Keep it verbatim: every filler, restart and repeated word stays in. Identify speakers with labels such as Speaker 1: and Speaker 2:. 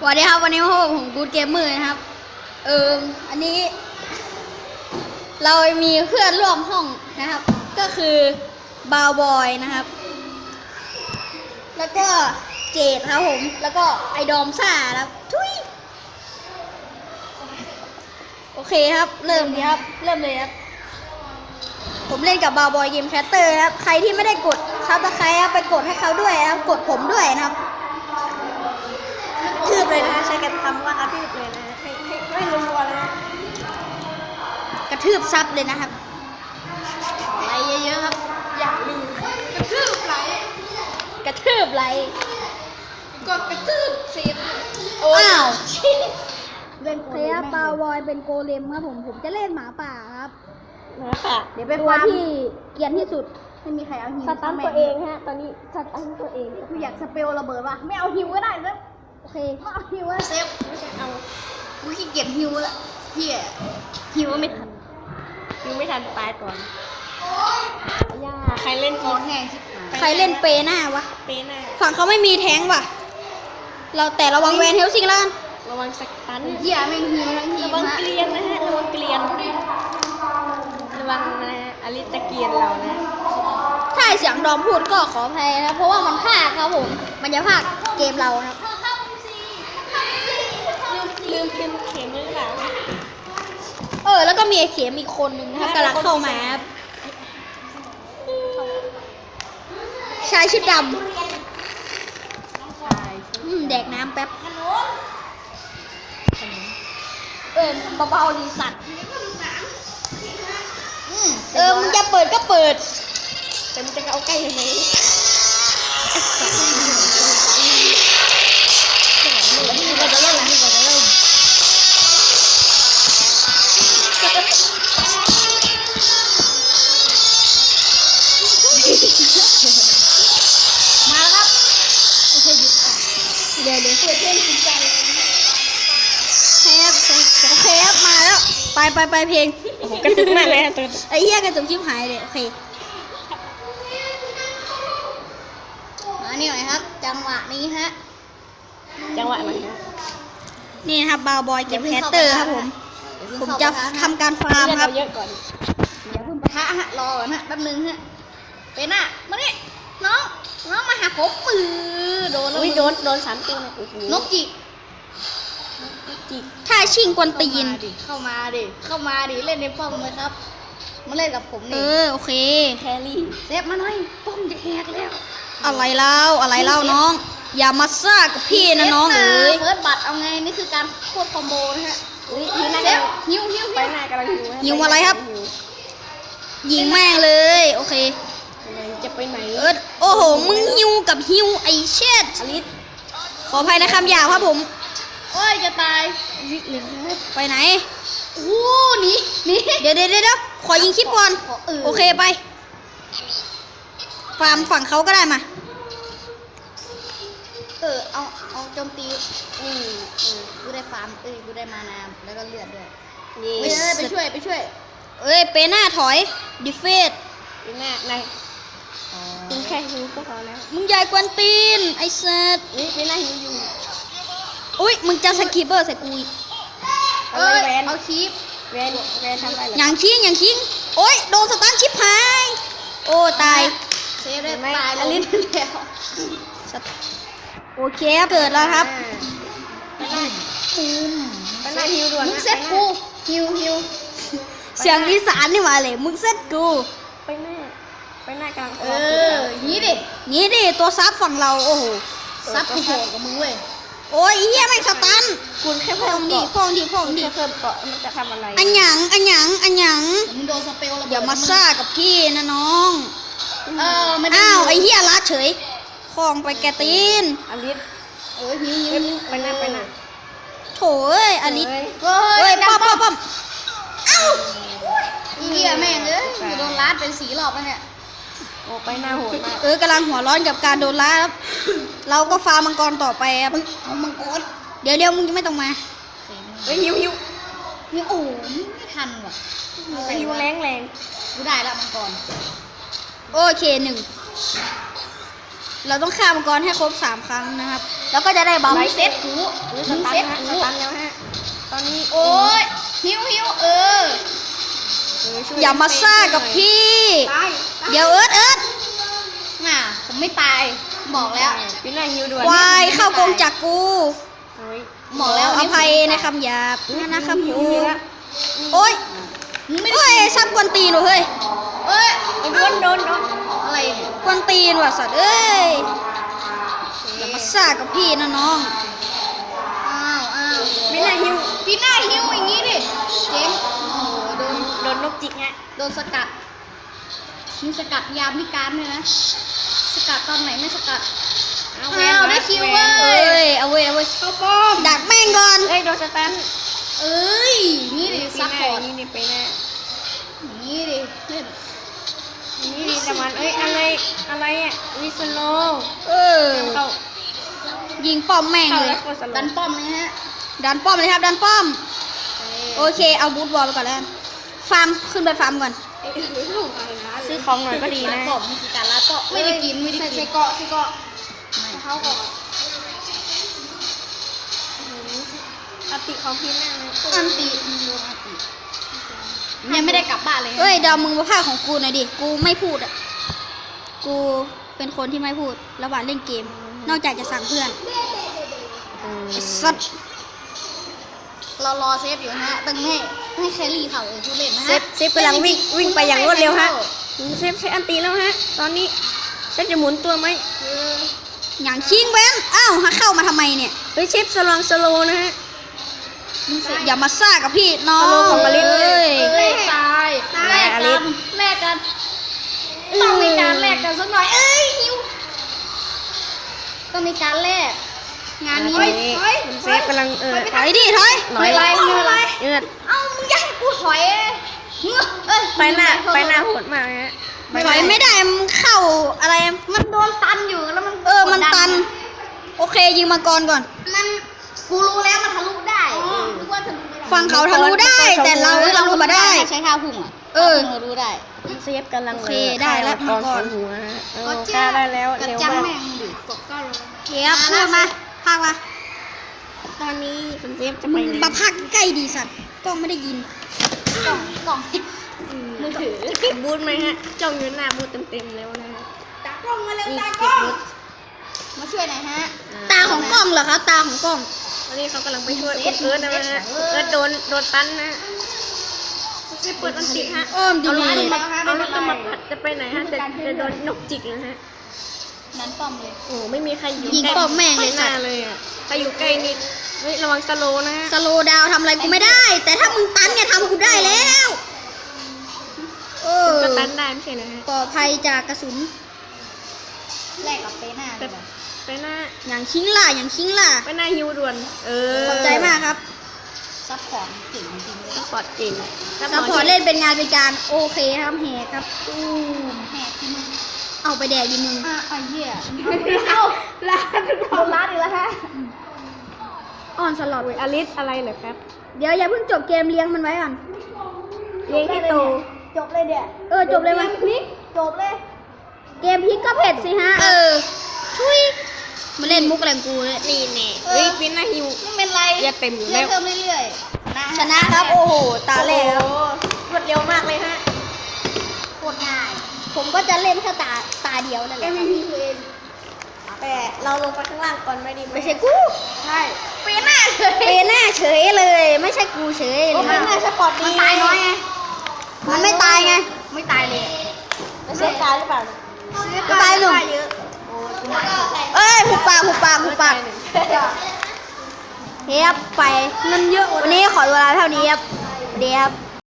Speaker 1: สวัสดีครับวันนี้พบกับผมกู๊ดเกมเมอร์นะครับเอออันนี้ เรามีเพื่อนร่วมห้องนะครับ ก็คือบาวบอยนะครับ แล้วก็เจดครับผมแล้วก็ไอดอมซ่าครับทุยโอเคครับเริ่มดีครับเริ่มเลยครับผมเล่นกับบาวบอยเกมแคสเตอร์ครับใครที่ไม่ได้กดซับสไครต์ครับไปกดให้เขาด้วยนะครับกดผมด้วยนะครับ
Speaker 2: ทืบเลยนะคะใช้กันคำว่ากระทืบเลยนะให้ให้ไม่รัวๆเลยนะ
Speaker 1: กระทืบซับเลยนะครับไลค์เยอะๆครับ
Speaker 2: อย่าลืมกระทืบไหล
Speaker 1: กระทืบไลค์
Speaker 2: ก็กระทืบเสียบ
Speaker 1: อ้าว
Speaker 2: เล่น
Speaker 1: เคลียร์บาวบอยเป็นโกเลมครับผมผมจะเล่นหมาป่าครับ
Speaker 2: หมาป่า
Speaker 1: เดี๋ยวไปตัวที่เกรียนที่สุดไม่มีใครเอาฮิว
Speaker 2: สตันตัวเองฮะตอนนี้สตันตัวเอง
Speaker 1: คืออยากสเปลระเบิดป่ะไม่เอาฮิวก็ได้ซะโอเคไม่เอาฮิวก็
Speaker 2: เซฟไม่ใช่เอา
Speaker 1: กูขี้เกียจฮิวละเฮียฮิวไม่ทัน
Speaker 2: ฮิวไม่ทันตายก่อนย่าใครเล่น
Speaker 1: กินแห้งใครเล่นเปน่าวะ
Speaker 2: เปน่า
Speaker 1: ฝั่งเขาไม่มีแทงว่ะเราแต่ระวังแวนเฮลซิงแล้ว
Speaker 2: ระวังสตัน
Speaker 1: เฮียแม่งฮิวทั้งที
Speaker 2: ระวังเกลียนนะฮะระวังเกลียนระวังนะอลิตะเกียนเรานะ
Speaker 1: ถ้าเสียงดอมพูดก็ขออภัยนะเพราะว่ามันพากครับผมมันจะพากเกมเราครับ
Speaker 2: ลืมลืมเข็มหรือเปล่า
Speaker 1: เออแล้วก็มีไอ้เข็มอีกคนนึงนะครับกำลังเข้ามาชายชุดดำแดกน้ำแป๊บเออเบาๆดีสัตว์เออมึงจะเปิดก็เปิด
Speaker 2: แต่มึงจะเอาใกล้ยังไง
Speaker 1: ก็จะเริ่มก็จะเริ่มมาแล้วครับโอเคหยุดเดี๋ยวเดี๋ยวเปิดเพลงจริงจังแคบโอเคครับมาแล้วไปไปไปเพลง
Speaker 2: ผมกระตุกมากเลยตัว
Speaker 1: ไอ้เหี้ยกระตุกชิบหายเลยโอเคมานี่หน่อยครับจังหวะนี้ฮะ
Speaker 2: จังหวะไหนฮะ
Speaker 1: นี่ครับบาวบอยเก็บแคสเตอร์ครับผมผมจะทำการฟาร์มครับ
Speaker 2: เยอะก่อน
Speaker 1: อย่าเพิ่งปะทะฮะรอก่อนฮะแป๊บนึงฮะเป็นอ่ะมานี่น้องน้องมาหาผมปือโดนแล้ว
Speaker 2: โดนโดนสามตัวน
Speaker 1: กจิกถ้าชิงกวนตีนเข้ามาดิเข้ามาดิเล่นในป้อมเลยครับมาเล่นกับผมนี่เออโอเค
Speaker 2: แครี่
Speaker 1: เซฟมาหน่อยป้อมจะแหกแล้วอะไรเล่าอะไรเล่าน้องอย่ามาซ่ากับพี่นะน้องเอ๋ยเฟิร์สบัตเอาไงนี่คือการโคตรคอมโบนะฮะเซฟฮิวฮิว
Speaker 2: ไปหน้ากำลังฮิว
Speaker 1: ฮิวอะไรครับยิงแม่งเลยโอเค
Speaker 2: จะไปไหน
Speaker 1: เออโอ้โหมึงฮิวกับฮิวไอเช็ด
Speaker 2: อลิส
Speaker 1: ขออภัยในคำหยาบครับผม
Speaker 2: โอ้ยจะตาย
Speaker 1: ไปไหนโอ้หนีหนีเดี๋ยวเดี๋ยวเดี๋ยวขอยิงคลิปก่อนโอเคไปฟาร์มฝั่งเขาก็ได้มาเออเอาเอาโจมตีอือกูได้ฟาร์มเอ้ยกูได้มานาแล้วก็เลือดด้วยไปเลยไปช่วยไปช่วยเอ้ยเปหน้าถอยดิเฟต
Speaker 2: เปหน้าในมึงแค่ฮิวก็พอแล้ว
Speaker 1: มึงใหญ่กวนตีนไอ้เซต
Speaker 2: นี่เปหน้าฮิวอยู่
Speaker 1: อุ้ยมึงจะสกิปเปอร์ใส่กูอีกเอ้ยเอาคีป
Speaker 2: เวนเวนทำอะไร
Speaker 1: อย่างคิงอย่างคิงโอ้ยโดนสตันชิปหายโอ้ตายเซฟได้ตายแล้วโอเคเกิดแล้วครับ
Speaker 2: ปูมไปหน้าฮิวด่วน
Speaker 1: มึงเซตกูฮิวฮิวเสียงอีสานนี่มาเลยมึงเซตกู
Speaker 2: ไปหน้าไปหน้ากลาง
Speaker 1: เอองี้ดิงี้ดิตัวซับฝั่งเราโอ้โหซับกูโหดกับมึงเว้ยโอ้ยเฮียแม่งสตัน
Speaker 2: คุณแค่
Speaker 1: พองดิพองดิพองดิ
Speaker 2: เพิ่มเกาะมันจะทำอะไร
Speaker 1: อันหยังอันหยังอันหยังมึงโดนสเปลอย่ามาซ่ากับพี่นะน้องเออไม่อ้าวไอ้เฮียละเฉยคลองไปแกตีน
Speaker 2: อลิส
Speaker 1: เอ้ยฮิวฮิว
Speaker 2: ไปหน้าไปหน้า
Speaker 1: โถ่เอ้ยอลิสเฮ้ยป้อมป้อมป้อมเอ้าอีเหี้ยแม่งเอ้ยโดนลัดเป็นสีรอบแล้วเนี่ย
Speaker 2: โอ้ไปหน้าโหดมาก
Speaker 1: เออกำลังหัวร้อนกับการโดนลัดครับเราก็ฟาร์มมังกรต่อไปครับเอามังกรเดี๋ยวเดี๋ยวมึงจะไม่ต้องมา
Speaker 2: เฮ้ยฮิวฮิว
Speaker 1: ฮิวโอ้ไม่ทันว่ะ
Speaker 2: ฮิวแรงแรง
Speaker 1: กูได้แล้วมังกรโอเคหนึ่งเราต้องฆ่ามังกรให้ครบสามครั้งนะครับ แล้วก็จะได้บัฟ
Speaker 2: ไลท์เซ็ต
Speaker 1: กู
Speaker 2: หรือสตันนะฮะสตันแล้วฮะตอนนี้
Speaker 3: โอ้ยหิวหิวเออ
Speaker 2: เออช่วย
Speaker 1: อย่ามาซ่ากับพี่
Speaker 3: ตาย
Speaker 1: เดี๋ยวเอิร์ดเอิร์ด
Speaker 3: น่ะผมไม่ตายบอกแล้ว
Speaker 2: พี่นายฮิวด่วน
Speaker 1: ควายเข้ากรงจากกู
Speaker 2: โอ้ย
Speaker 3: บอกแล้ว
Speaker 1: อภัยในคำหยาบนะนะครับ
Speaker 2: ฮิว
Speaker 1: ผม
Speaker 2: ฮิวแล้ว
Speaker 1: โอ๊ย
Speaker 3: มึงไม่
Speaker 1: โอ้ยซ้ำกวนตีนว่ะเฮ้ย
Speaker 3: เอ้ย
Speaker 2: โอ้ยโดนโดนโดน
Speaker 3: อะไรเนี่ย
Speaker 1: กวนตีนว่ะสัตว์เอ้ยอย่ามาซ่ากับพี่นะน้อง
Speaker 3: อ้าวอ้าว
Speaker 2: พี่นายฮิว
Speaker 3: พี่หน้าหิวอย่างงี้ดิเจ๊งโอ้โหโดน
Speaker 2: โดนนกจิกฮะ
Speaker 3: โดนสกัดมีสกัดยามพิการด้วยนะสกัดตอนไหนไม่สกัด
Speaker 2: เอา
Speaker 3: อ้าวได้คิวเว้
Speaker 1: เอ้ยเอาเว้ยเอาเว้ย
Speaker 3: เข้าป้อม
Speaker 1: ดักแม่งก่อน
Speaker 2: เอ้ยโดนสตัน
Speaker 3: เอ้ยนี่ดิ
Speaker 2: พี่
Speaker 3: ซัพ
Speaker 2: นา
Speaker 3: พ
Speaker 2: ย
Speaker 3: อร์ต
Speaker 2: นี่นี่ไปแน่
Speaker 3: นี่ดิเล่น
Speaker 2: นี่ดีแต่มันเอ้ยอะไรอะไรอ่ะวิสโล
Speaker 1: เออ
Speaker 2: เข้า
Speaker 1: ยิงป้อมแม่ง
Speaker 2: เข้า
Speaker 1: เล
Speaker 2: แล้
Speaker 1: ยว
Speaker 2: ก็สโล
Speaker 3: ดันป้อมเลยฮะ
Speaker 1: ดันป้อมเลยครับดันป้อม โอเค เอาบูทบอลไปก่อนแล้วกันฟาร์มขึ้นไปฟาร์มก่อน
Speaker 2: ซื้อของหน่อยก็ดีนะ
Speaker 3: ป้อมมีการรัดก็ไม่ได้กินไม่ได้กินใช้เกาะใช้เกาะเขาก่อน
Speaker 2: อติของพี่นา
Speaker 3: อันตียังไม่ได้กลับบ้านเลย
Speaker 1: เอ้ยเดาวมึงมาภาคของกูหน่อยดิ กูไม่พูดอ่ะ กูเป็นคนที่ไม่พูดระหว่างเล่นเกม นอกจากจะสั่งเพื่อนไอ้สัตว์
Speaker 3: เรารอเซฟอยู่ฮะตั้งให้ให้แครี่เขาเออผู้เล่นนะ
Speaker 2: เซ
Speaker 3: ฮะ
Speaker 2: ฟเซฟกำลังวิ่งวิ่งไปอย่างรวดเร็วฮะเซฟใช้อันตีแล้วฮะตอนนี้เซฟจะหมุนตัวไหม
Speaker 1: อย่างชิงแว้นอ้าวหาเข้ามาทำไมเนี่ย
Speaker 2: เฮ้ยเซฟสลองสโลนะฮะ
Speaker 1: อย่ามาซ่ากับพี่น้อง
Speaker 2: ฮัลโหลของมาริส
Speaker 1: เอ้ย
Speaker 3: เอ้ยตายแลกกันแลกกันต้องมีการแลกกันสักหน่อยเอ้ยหิวต้องมีการแลกงานนี้
Speaker 2: ตอนนี้เซฟกำลังเออ
Speaker 1: ถอยดิถอย
Speaker 2: หน่อย
Speaker 3: ไม่เป็นไร
Speaker 2: เอือด
Speaker 3: เอ้ามึงอยากให้กูถอยเงือกเอ้ย
Speaker 2: ไปหน้าไปหน้าโหดมากฮะ
Speaker 1: ถอยไม่ได้มันเข้าอะไร
Speaker 3: มันโดนตันอยู่แล้วมัน
Speaker 1: เออ มันตัน โอเคยิงมังกรก่อน
Speaker 3: มันกูรู้แล้วมันทะลุได้นึกว่าทะลุไม่ได้
Speaker 1: ฟังเขาทะลุได้ แต่เราทะลุมาได้
Speaker 3: ใช้ท่าพุ่งอ่ะ
Speaker 1: เออ
Speaker 3: ท่าพุ่งเรารู้ได้
Speaker 2: เซฟกำลัง
Speaker 1: โอเคได้แล้ว
Speaker 2: ก่อน
Speaker 1: มาก่อน
Speaker 2: หัวฮะเออกล้าได้แล้ว
Speaker 3: กระ
Speaker 2: เร็ว
Speaker 3: จัง
Speaker 2: มาก
Speaker 3: แม่งดิกดก้อนลง
Speaker 1: เทียบพูดมาพากมา
Speaker 2: ตอนนี้คุณเซฟจะไปไหน
Speaker 1: มาพากใกล้ดีสัตว์กล้องไม่ได้ยิน
Speaker 3: กล่องกล่องมือถือ
Speaker 2: เก็บบูทไหมฮะจ้องอยู่หน้าบูทเต็มๆแล้วนะฮะ
Speaker 3: ตากล้องมาเร็ว
Speaker 2: นี่
Speaker 3: ตา
Speaker 2: เก็
Speaker 3: กล้
Speaker 2: บ
Speaker 3: อง
Speaker 2: บูท
Speaker 3: มาช่วยหน่อยฮะ
Speaker 1: ตาของกล้องเหรอคะตาของกล้อง
Speaker 2: ตอนนี้เขากำลังไปช่วย
Speaker 3: เซ
Speaker 2: คุ
Speaker 3: ฟ
Speaker 2: ณเอิร์ธนะฮะ
Speaker 3: เซฟ
Speaker 2: คุณเอิร์ธโดนโดนตันนะเซฟเปิดอันติดฮะ
Speaker 1: อ้อมดี
Speaker 2: เอารถ
Speaker 1: ดี
Speaker 2: มาเอารถมาผัดจะไปไหนฮะจะจะโดนนกจิกนะฮะ
Speaker 3: นั้นป้อมเลย
Speaker 2: โอ้ไม่มีใครอยู่
Speaker 1: ยิง
Speaker 2: ใกล้
Speaker 1: ป้อมแม่งเลย
Speaker 2: ห
Speaker 1: สั
Speaker 2: น้า
Speaker 1: ตว์
Speaker 2: เลยอ่ะใครอยู่ใกล้นิดเฮ้ยระวังสโลว์นะฮะ
Speaker 1: สโลว์ดาวน์ทำอะไรกูไม่ได้ แต่ถ้ามึงตันเนี่ยทำกูได้แล้วเออ
Speaker 2: ก็ตันได้ไม่ใช่นะฮะ
Speaker 1: ปลอดภัยจากกระสุน
Speaker 3: แลกกับเปหน้าเลยว่ะ
Speaker 2: ไปหน้า
Speaker 1: อย่างชิงล่ะอย่างชิงล่ะ
Speaker 2: ไปหน้าฮิวด่วน เออ
Speaker 1: ขอบใจมากครับ
Speaker 3: ซัพพอร์ตเก่งจริงๆเลย
Speaker 2: ซัพพอร์ตจริง
Speaker 1: ซัพพอร์ตเล่นเป็นงานเป็นการโอเคครับแหกครับ
Speaker 3: ตูมแหกที่มึง
Speaker 1: เอาไปแดกดิมึง
Speaker 3: อ่ะไอ้เหี้ยเอาลาดเอาลาดอีกแล้วฮะ
Speaker 1: ออนสล็อต
Speaker 2: โอ้ยอลิสอะไรเหรอครับ
Speaker 1: เดี๋ยวอย่าเพิ่งจบเกมเลี้ยงมันไว้ก่อน
Speaker 2: เลี้ยงให้โต
Speaker 3: จบเลยเดี๋ย
Speaker 1: เออจบเลยมัน
Speaker 3: พลิกจบเลย
Speaker 1: เกมพลิกก็เผ็ดสิฮะ เออ ชุยมาเล่นมุกแรงกูเลย
Speaker 2: นี่แน่เฮ้ยปิ้นหน้าฮิว
Speaker 3: ไม่เป็นไร
Speaker 2: เลือดเต็มอยู่
Speaker 3: เลื
Speaker 2: แล้
Speaker 3: อด
Speaker 2: ว
Speaker 3: เพิ่มเรื่อยๆนะ
Speaker 1: ชนะครับ โอ้โห ตาแรกครับ
Speaker 2: โอ้โหรวดเร็วมากเลยฮะ
Speaker 3: โคตรง่าย
Speaker 1: ผมก็จะเล่นแค่ตาตาเดียวนั่นแห
Speaker 3: เอ็
Speaker 1: ละ
Speaker 3: ม
Speaker 1: ครับ
Speaker 3: พีคือเอง
Speaker 2: แต่เราลงไปข้างล่างก่อนไม่ดีห
Speaker 1: ไม่ใช่กู
Speaker 3: ใช่เปหน้าเลย
Speaker 1: เปหน้าเฉยเลย ไม่ใช่กูเฉย
Speaker 3: โอ้
Speaker 1: เล
Speaker 3: เป็นหน้าย สปอร์ตดีมันตายน้อยไง
Speaker 1: มันไม่ตายไง
Speaker 3: ไม่ตายเลย
Speaker 2: เซฟตายหรือเปล่า
Speaker 1: กูตายหนึ่ง
Speaker 2: เยอะ
Speaker 1: เอ้ยหุบปากหุบปากหุบปากเฮียบไป
Speaker 3: เงินเยอะ
Speaker 1: วันนี้ขอเวลาเท่านี้ครับเดี๋ยวครับ